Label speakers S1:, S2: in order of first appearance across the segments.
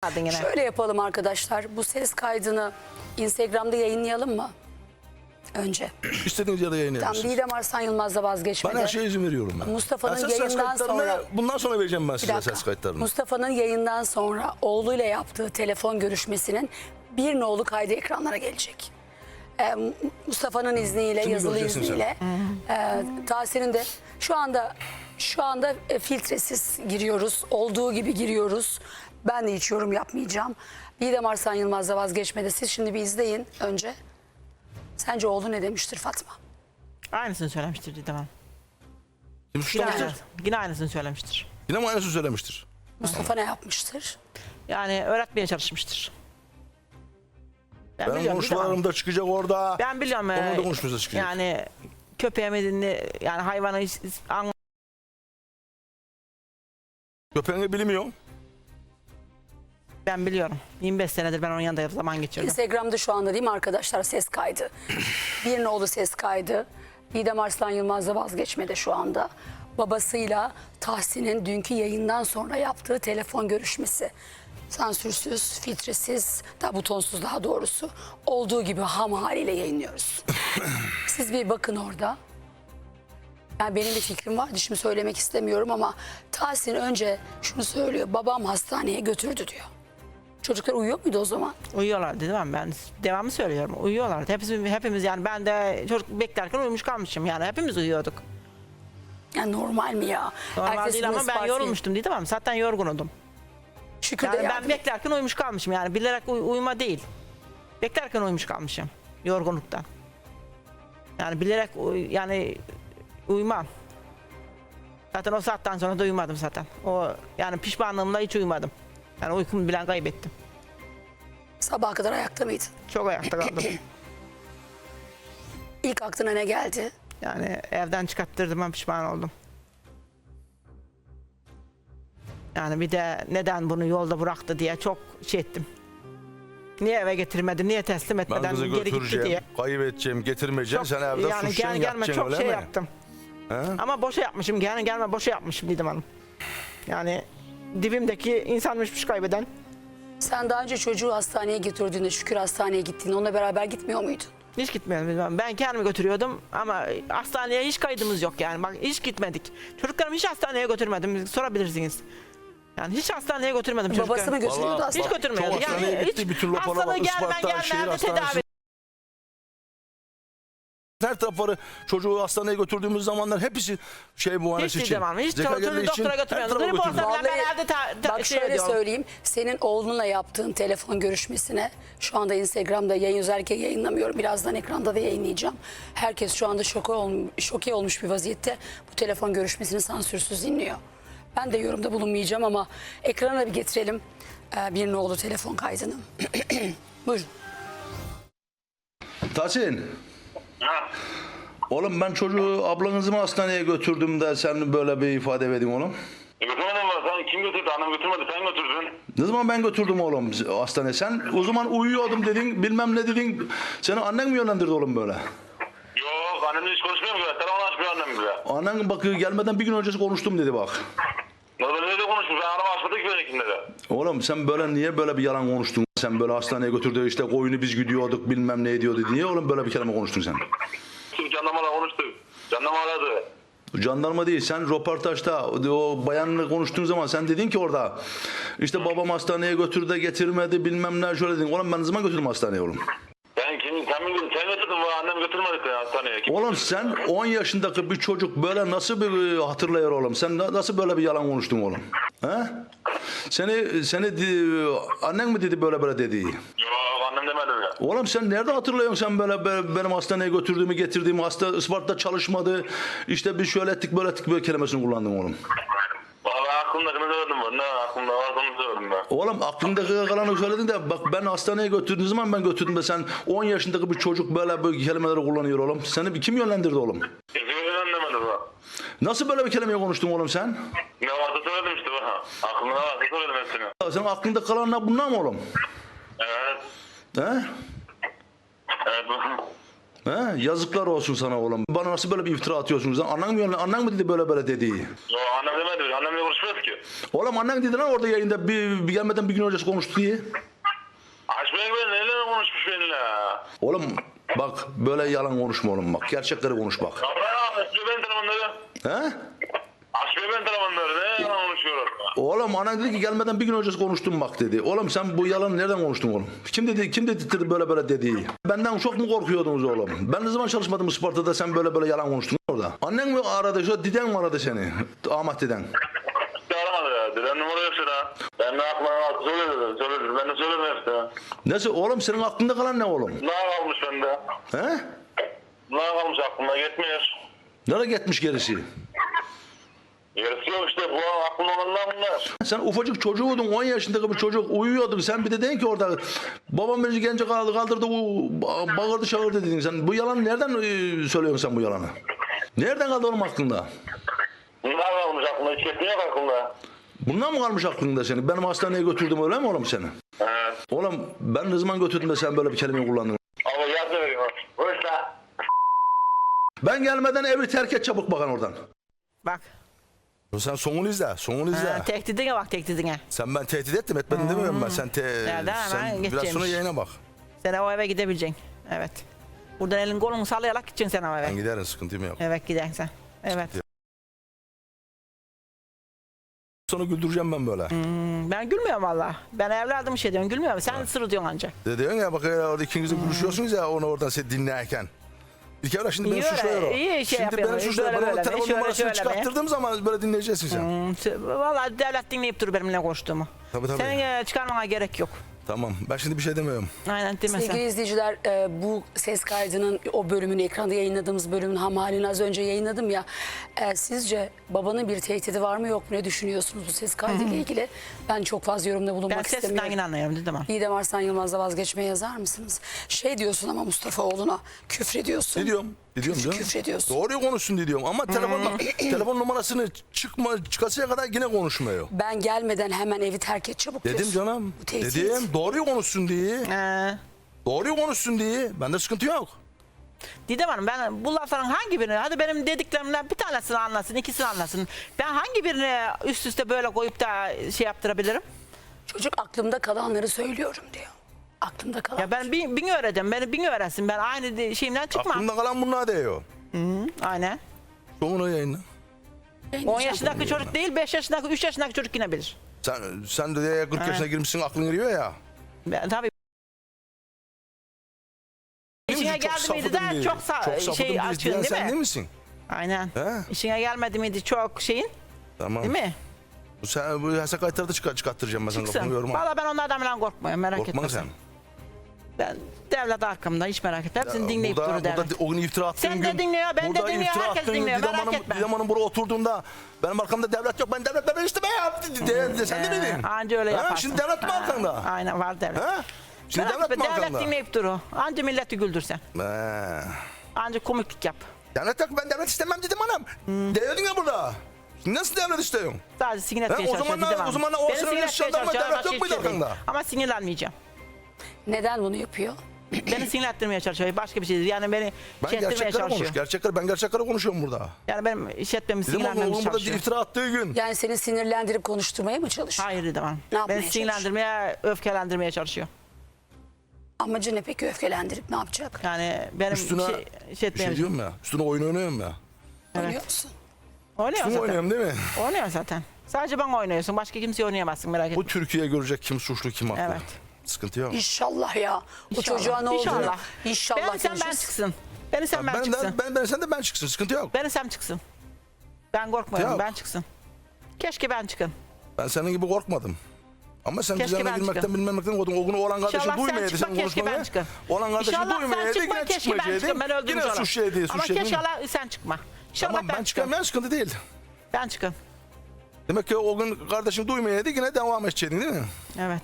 S1: Şöyle yapalım arkadaşlar. Bu ses kaydını Instagram'da yayınlayalım mı? Önce.
S2: İstediğiniz yerde yayınlayabilirsiniz.
S1: Tam Didem Arslan Yılmaz'la vazgeçmedi.
S2: Ben her şeye izin veriyorum ben.
S1: Mustafa'nın yayından sonra...
S2: Bundan sonra vereceğim ben
S1: Bir
S2: size
S1: dakika.
S2: ses kayıtlarını.
S1: Mustafa'nın yayından sonra oğluyla yaptığı telefon görüşmesinin bir nolu kaydı ekranlara gelecek. Mustafa'nın izniyle,
S2: Şimdi
S1: yazılı
S2: göreceksin
S1: izniyle. Tahsin'in de şu anda filtresiz giriyoruz. Olduğu gibi giriyoruz. Ben de hiç yorum yapmayacağım. Didem Arslan Yılmaz'la vazgeçmedi. Siz şimdi bir izleyin önce. Sence oğlu ne demiştir Fatma?
S3: Aynısını söylemiştir Didem Hanım.
S2: Kim suçlamıştır?
S3: Yine aynısını söylemiştir.
S2: Yine mi aynısını söylemiştir?
S1: Mustafa ne yapmıştır?
S3: Yani öğretmeye çalışmıştır. Ben
S2: Benim
S3: biliyorum Didem Hanım.
S2: konuşmalarımda çıkacak orada.
S3: Ben biliyorum.
S2: Onun da konuşması çıkacak.
S3: Yani köpeğimi yani hayvanı
S2: Köpeğini bilmiyor.
S3: ben biliyorum. 25 senedir ben onun yanında zaman geçirdim.
S1: Instagram'da şu anda değil mi arkadaşlar ses kaydı? Bir nolu ses kaydı. Didem Arslan Yılmaz'la vazgeçmedi şu anda. Babasıyla Tahsin'in dünkü yayından sonra yaptığı telefon görüşmesi. Sansürsüz, filtresiz, butonsuz daha doğrusu. Olduğu gibi ham haliyle yayınlıyoruz. Siz bir bakın orada. Yani benim bir fikrim vardı, şimdi söylemek istemiyorum ama Tahsin önce şunu söylüyor. Babam hastaneye götürdü diyor. Çocuklar uyuyor muydu o zaman?
S3: Uyuyorlardı değil mi? Ben devamlı söylüyorum. Uyuyorlardı. Hepimiz yani ben de çocuk beklerken uyumuş kalmışım. Yani hepimiz uyuyorduk.
S1: Yani normal mi ya?
S3: Normal
S1: Ertesi
S3: değil
S1: gün
S3: ama ben
S1: Isparta'ya-
S3: yorulmuştum değil mi? Zaten yorgunudum.
S1: Şükür
S3: Yani
S1: de
S3: ben
S1: yardım.
S3: beklerken uyumuş kalmışım. Yani bilerek uyuma değil. Beklerken uyumuş kalmışım. Yorgunluktan. Yani bilerek yani uyumam. Zaten o saatten sonra da uyumadım zaten. O yani pişmanlığımla hiç uyumadım. Yani uykumu bilen kaybettim.
S1: Sabaha kadar ayakta mıydın?
S3: Çok ayakta kaldım.
S1: İlk aklına ne geldi?
S3: Yani evden çıkarttırdım, ben pişman oldum. Yani bir de neden bunu yolda bıraktı diye çok şey ettim. Niye eve getirmedi, niye teslim
S2: Ben
S3: etmeden
S2: kızı
S3: geri gitti
S2: götüreceğim,
S3: diye.
S2: kaybedeceğim, getirmeyeceğim. Sen evde
S3: yani
S2: suçlayan
S3: gelme
S2: yatacaksın
S3: çok
S2: öyle
S3: şey
S2: mi?
S3: yaptım.
S2: He?
S3: Ama boşa yapmışım, gelme boşa yapmışım Didem Hanım. Yani dibimdeki insanmışmış kaybeden.
S1: Sen daha önce çocuğu hastaneye götürdüğünde, Şükür hastaneye gittiğinde onunla beraber gitmiyor muydun?
S3: Hiç gitmedim Didem Hanım. Ben kendimi götürüyordum ama hastaneye hiç kaydımız yok yani. Bak hiç gitmedik. Çocuklarımı hiç hastaneye götürmedim. Sorabilirsiniz. Yani hiç hastaneye götürmedim çocuklarımı.
S1: Babası mı götürüyordu
S2: Vallahi-
S1: hastaneye?
S3: Hiç götürmüyordu.
S2: Çok hastaneye gitti, bütün raporlar
S3: hastalığı
S2: Isparta,
S3: gelme
S2: şehir
S3: evde
S2: hastanesi.
S3: tedavi.
S2: Her tarafları çocuğu hastaneye götürdüğümüz zamanlar hepsi şey muayenesi
S3: Hiç
S2: için.
S3: Didem Hanım. Hiç
S2: Zeka
S3: çocuğu
S2: geldiği için
S3: doktora
S2: her
S3: götürmüyordum.
S2: tarafa
S3: Grip olsa
S2: götürdüm.
S3: bile ben evde
S1: Bak
S3: şey
S1: şöyle
S3: ediyorum.
S1: söyleyeyim. Senin oğlunla yaptığın telefon görüşmesine şu anda Instagram'da yayın özellikle yayınlamıyorum. Birazdan ekranda da yayınlayacağım. Herkes şu anda şoke olmuş bir vaziyette bu telefon görüşmesini sansürsüz dinliyor. Ben de yorumda bulunmayacağım ama ekrana bir getirelim bir nolu telefon kaydını. Buyurun.
S2: Tahsin,
S4: Ha.
S2: oğlum ben çocuğu ablanızı mı hastaneye götürdüm de sen böyle bir ifade verdin oğlum.
S4: Götürmedin mi? Sen kim götürdü? Annem götürmedi. Sen götürdün.
S2: Ne zaman ben götürdüm oğlum hastaneye? Sen o zaman uyuyordum dedin, bilmem ne dedin. Seni annen mi yönlendirdi oğlum böyle?
S4: Yok annemle hiç konuşmuyor mu? Telefon açmıyor annem bile.
S2: Annen bak gelmeden bir gün öncesi konuştum dedi bak.
S4: Nerede nerede konuşmuş? Ben araba açmadık ki benimkinde de.
S2: Oğlum sen böyle niye böyle bir yalan konuştun? Sen böyle hastaneye götürdü işte koyunu biz gidiyorduk bilmem ne ediyordu. Niye oğlum böyle bir kelime konuştun sen?
S4: Şimdi jandarmayla konuştuk. Jandarma aradı.
S2: Jandarma değil sen röportajda o bayanla konuştuğun zaman sen dedin ki orada işte babam hastaneye götürdü de getirmedi bilmem ne şöyle dedin. Oğlum ben ne zaman götürdüm hastaneye oğlum?
S4: Sen götürdün bu annem götürmedi seni hastaneye. Kim
S2: Oğlum
S4: götürdü?
S2: sen 10 yaşındaki bir çocuk böyle nasıl bir hatırlayır oğlum? Sen nasıl böyle bir yalan konuştun oğlum? He? Annen mi dedi böyle dedi?
S4: Yok annem demedi öyle.
S2: Oğlum sen nerede hatırlıyorsun sen böyle benim hastaneye götürdüğümü getirdiğimi hasta Isparta'da çalışmadı. İşte biz şöyle ettik böyle kelimesini kullandın oğlum.
S4: Valla aklımdakini söyledim ben. Ne aklımda varsa onu söyledim ben.
S2: Oğlum aklındaki kalanı söyledin de bak ben hastaneye götürdüğün zaman ben götürdüm de sen 10 yaşındaki bir çocuk böyle kelimeleri kullanıyor oğlum. Seni kim yönlendirdi oğlum?
S4: Kesinlikle demedi bu.
S2: Nasıl böyle bir kelime konuştun oğlum sen?
S4: Ne varsa söyledim işte bu. Aklımda varsa söyledim hepsini.
S2: Senin aklında kalanlar bunlar mı oğlum?
S4: Evet.
S2: He?
S4: Evet.
S2: He? He? Yazıklar olsun sana oğlum. Bana nasıl böyle bir iftira atıyorsunuz lan? Annen mi dedi böyle dediği?
S4: Yo annem demedi. Annemle konuşmuyoruz ki.
S2: Oğlum annen dedi lan orada yayında bir gelmeden bir gün öncesi konuştu diye.
S4: Açmayın ben neyle konuşmuş benimle.
S2: Oğlum bak böyle yalan konuşma oğlum bak. Gerçekleri konuş bak.
S4: Abla açmıyor ben telefonları.
S2: He?
S4: Açmıyor ben telefonları. Ne yalan konuşuyorum.
S2: Oğlum anan dedi ki gelmeden bir gün öncesi konuştum bak dedi. Oğlum sen bu yalanı nereden konuştun oğlum? Kim dedi böyle dediği? Benden çok mu korkuyordunuz oğlum? Ben ne zaman çalışmadım Isparta'da sen böyle yalan konuştun orada? Annen mi aradı? Şu diden mi aradı seni? Ahmet deden.
S4: Aramadı ya. Deden numara yok sana. Ben ne yapmam söyledim. Ben de söyledim hepsine.
S2: Neyse oğlum senin aklında kalan ne oğlum?
S4: Ne kalmış bende?
S2: He?
S4: Ne kalmış aklımda gitmiyor.
S2: Nereye gitmiş gerisi?
S4: Gerisi yok işte bu aklımda olanlar bunlar.
S2: Sen ufacık çocuğuydun 10 yaşındaki bir çocuk uyuyordun. Sen bir de dedin ki orada babam beni gence kaldırdı bağırdı çağırdı dedin. Sen bu yalanı nereden söylüyorsun sen bu yalanı? Nereden kaldı oğlum aklında?
S4: Bunlar kalmış aklımda hiç gitmiyor aklımda.
S2: Bundan mı kalmış aklında seni? Benim hastaneye götürdüm öyle mi oğlum seni?
S4: Evet.
S2: Oğlum ben ne zaman götürdüm de sen böyle bir kelime kullandın?
S4: Ama yardım veriyorum. Boşla.
S2: Ben gelmeden evi terk et çabuk bakan oradan.
S3: Bak.
S5: Sen sonunu izle, sonunu izle.
S3: Tehdidine bak tehdidine.
S5: Sen ben tehdit ettim, etmedim demiyorum ben. Sen
S3: Nereden hemen
S5: sen biraz
S3: geçeceğimiş.
S5: sonra yayına bak.
S3: Sen o eve gidebileceksin. Evet. Buradan elin kolunu sallayarak gideceksin sen o eve.
S5: Ben giderim, sıkıntım yok.
S3: Evet gidersin sen. Evet.
S5: Sonra güldüreceğim ben böyle.
S3: Ben gülmüyorum valla. Ben evladım şey diyorum gülmüyorum. Sen sırı diyorsun ancak.
S5: Diyorsun ya bak orada ikiniz de konuşuyorsunuz ya onu oradan seni dinlerken. İlk evvel şimdi beni
S3: İyi öyle,
S5: suçluyor o.
S3: iyi şey
S5: Şimdi
S3: yapıyorsun.
S5: beni suçluyor.
S3: Böyle
S5: Bana
S3: böyle,
S5: telefon
S3: şöyle
S5: numarasını
S3: şöyle be.
S5: çıkarttırdığım zaman böyle dinleyeceksin sen.
S3: Valla devlet dinleyip dur benimle konuştuğumu.
S5: Tabii.
S3: Senin çıkarmana gerek yok.
S5: Tamam ben şimdi bir şey demiyorum.
S3: Aynen demesen.
S1: Sevgili izleyiciler bu ses kaydının o bölümünü ekranda yayınladığımız bölümün ham halini az önce yayınladım ya. Sizce babanın bir tehdidi var mı yok mu ne düşünüyorsunuz bu ses kaydıyla ilgili? Ben çok fazla yorumda
S3: Ben
S1: bulunmak
S3: sesinden
S1: istemiyorum.
S3: yine anlıyorum dedim ama.
S1: Didem Arslan Yılmaz'la vazgeçmeye yazar mısınız? Şey diyorsun ama Mustafa oğluna küfrediyorsun.
S5: Ne diyorum? Diyorum canım.
S1: Küfrediyorsun.
S5: Doğruyu konuşsun diyorum ama telefon numarasını çıkasıya kadar yine konuşmuyor.
S1: Ben gelmeden hemen evi terk et çabuk
S5: Dedim
S1: diyorsun.
S5: canım.
S1: Bu tehdit.
S5: Dedim doğruyu konuşsun diye. Doğruyu konuşsun diye. Bende sıkıntı yok.
S3: Didem Hanım ben bu lafların hangi birini, hadi benim dediklerimden bir tanesini anlasın, ikisini anlasın. Ben hangi birini üst üste böyle koyup da şey yaptırabilirim?
S1: Çocuk aklımda kalanları söylüyorum diyor. Aklımda kalan.
S3: Ya ben bin öğreteceğim, beni bin öğretsin. Ben aynı şeyimden çıkmam.
S5: Aklımda kalan bunlar diyor.
S3: Aynen.
S5: Sonunu yayınla.
S3: 10 yaşındaki çocuk değil, 5 yaşındaki, 3 yaşındaki çocuk yine bilir.
S5: Sen de 40 yaşına girmişsin aklın giriyor ya.
S3: Ben, tabii. İşine
S5: Çok
S3: geldi miydi
S5: safıdım
S3: de
S5: diye.
S3: çok
S5: safıdım
S3: şey
S5: diye
S3: açıyorsun
S5: diyen
S3: değil
S5: sen
S3: mi?
S5: değil misin?
S3: Aynen.
S5: He?
S3: İşine gelmedi miydi çok şeyin,
S5: Tamam.
S3: değil mi?
S5: Sen bu yasak kayıtları da çıkarttıracağım ben sana
S3: Çıksın.
S5: kapını yorma.
S3: Valla ben onlardan falan korkmuyorum, merak
S5: Korkma
S3: etme
S5: sen.
S3: Ben devlet arkamda, hiç merak etme. Hepsini dinleyip
S5: Burada
S3: durur devlet.
S5: o gün iftira attığın
S3: Sen de
S5: gün.
S3: dinliyor, ben de
S5: burada
S3: dinliyor,
S5: iftira
S3: herkes
S5: attığın gün
S3: dinliyor,
S5: Didem
S3: merak
S5: Hanım-
S3: etme.
S5: Didem Hanım buraya oturduğunda benim arkamda devlet yok. Ben devlet istemeye yaptı. Sen de miydin?
S3: Anca öyle yaparsın.
S5: Şimdi devlet mi arkanda?
S3: Aynen var devlet.
S5: Ha? Şimdi
S3: Merak
S5: devlet
S3: etme,
S5: mi
S3: devlet
S5: arkanda?
S3: dinleyip durur. Anca milleti güldürsen. Anca komiklik yap.
S5: Devlet yok ben devlet istemem dedim hanım. Diyordun ya burada. Şimdi nasıl devlet istiyorsun?
S3: Sadece sinir
S5: Ha,
S3: etmeye
S5: o zaman
S3: çalışıyor.
S5: o zaman o sırada yaşayan ama devlet yok muydu arkanda?
S3: Ama sinirlenmeyeceğim.
S1: Neden bunu yapıyor?
S3: Beni sinirlendirmeye çalışıyor. Başka bir şey değil. Yani beni
S5: Ben
S3: şey ettirmeye
S5: gerçekleri
S3: çalışıyor.
S5: konuş. Ben gerçekleri konuşuyorum burada.
S3: Yani benim iş etmemi
S5: Dedim ama
S3: sinirlenmemi
S5: oğlum burada
S3: çalışıyor.
S5: iftira attığı gün.
S1: Yani seni sinirlendirip konuşturmaya mı çalışıyor?
S3: Hayır dedim hanım.
S1: Ne yapmaya
S3: Beni sinirlendirmeye, öfkelendirmeye çalışıyor.
S1: Amacı ne peki öfkelendirip ne yapacak?
S3: Yani benim
S5: Üstüne
S3: şey
S5: bir
S3: etmeye
S5: şey diyorum ya. Üstüne oyun oynuyorum ya.
S1: Biliyor musun?
S3: Oynuyor
S5: Üstüne
S3: zaten.
S5: oynuyorum değil mi?
S3: Oynuyor zaten. Sadece bana oynuyorsun. Başka kimseye oynayamazsın, merak etme.
S5: Bu Türkiye görecek kim suçlu kim haklı.
S3: Evet.
S5: Sıkıntı yok.
S1: İnşallah ya. Bu
S3: İnşallah.
S1: çocuğa ne oldu?
S3: İnşallah.
S1: İnşallah
S3: Beni sen ben
S1: görüşürüz.
S3: çıksın. Beni sen ben çıksın.
S5: Ben sen de ben çıksın. Sıkıntı yok.
S3: Beni sen çıksın. Ben korkmuyorum.
S5: Yok.
S3: Ben çıksın. Keşke ben çıkın.
S5: Ben senin gibi korkmadım. Ama sen
S3: Keşke
S5: düzenle
S3: ben
S5: girmekten
S3: çıkın.
S5: bilmemekten korktun. O gün olan kardeşin
S3: İnşallah sen
S5: duymayaydı
S3: çıkma,
S5: sen
S3: keşke ben
S5: konuşmanı.
S3: çıkın.
S5: Olan kardeşin
S3: İnşallah sen
S5: duymayaydı
S3: çıkma,
S5: yine
S3: keşke ben
S5: çıkmayacaktın.
S3: çıkın. Ben öldürmüş
S5: Yine
S3: olayım.
S5: suçlayaydın.
S3: Ama keşke sen çıkma. İnşallah
S5: Tamam ben
S3: çıkın.
S5: çıkamıyorum sıkıntı değil.
S3: Ben çıkın.
S5: Demek ki o gün kardeşin duymayaydı yine devam edeceydin değil mi?
S3: Evet.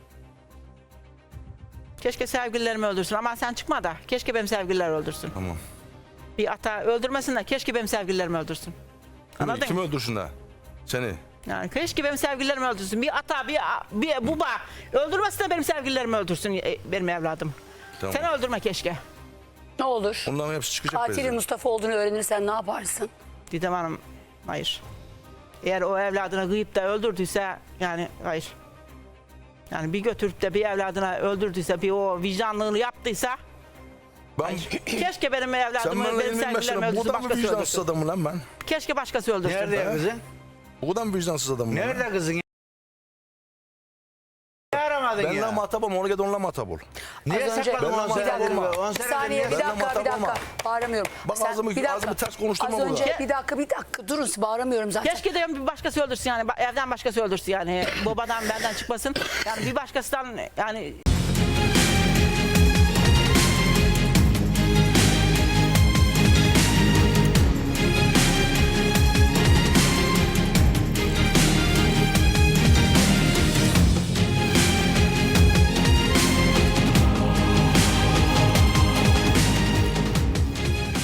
S3: Keşke sevgililerimi öldürsün ama sen çıkma da. Keşke benim sevgililer öldürsün.
S5: Tamam.
S3: Bir ata öldürmesin de keşke benim sevgililerimi öldürsün. Anladın
S5: Kimi
S3: mı?
S5: öldürsünler? Seni.
S3: Yani keşke benim sevgililerimi öldürsün. Bir ata, bir baba öldürmesin de benim sevgililerimi öldürsün benim evladım.
S5: Tamam.
S3: Seni öldürme keşke.
S1: Ne olur?
S5: Onların hepsi çıkacak
S1: Katili
S5: birazdan.
S1: Mustafa olduğunu öğrenirsen ne yaparsın?
S3: Didem Hanım hayır. Eğer o evladına kıyıp da öldürdüyse yani hayır. Yani bir götürüp de bir evladına öldürdüyse, bir o vicdanlığını yaptıysa
S5: Ben,
S3: keşke benim
S5: sen
S3: evladımı,
S5: bana
S3: benim
S5: emin
S3: sevgililerimi
S5: mesela
S3: öldürsün,
S5: buradan mı
S3: başkası
S5: vicdansız
S3: öldürsün.
S5: adamım lan ben?
S3: Keşke başkası öldürsün.
S6: Nerede ya kızın?
S5: Buradan mı vicdansız adamım lan?
S6: Nerede kızın? Niye aramadın
S5: Ben
S6: ya?
S5: la muhatap onunla git onunla muhatap ol.
S6: Niye
S1: Az önce-
S6: sakladın
S5: Ben
S6: 10
S5: de
S6: senedir?
S5: muhatap olma.
S6: 10
S1: Bir
S6: senedir
S1: saniye,
S6: niye
S1: bir
S5: Ben de
S1: dakika, bir
S5: muhatap
S1: dakika.
S5: olma.
S1: Bağıramıyorum.
S5: Bak ağzımı ters konuşturma
S1: Az önce
S5: burada.
S1: bir dakika durun, bağıramıyorum zaten.
S3: Keşke de bir başkası öldürsün yani, evden başkası öldürsün yani, babadan benden çıkmasın. Yani bir başkasından yani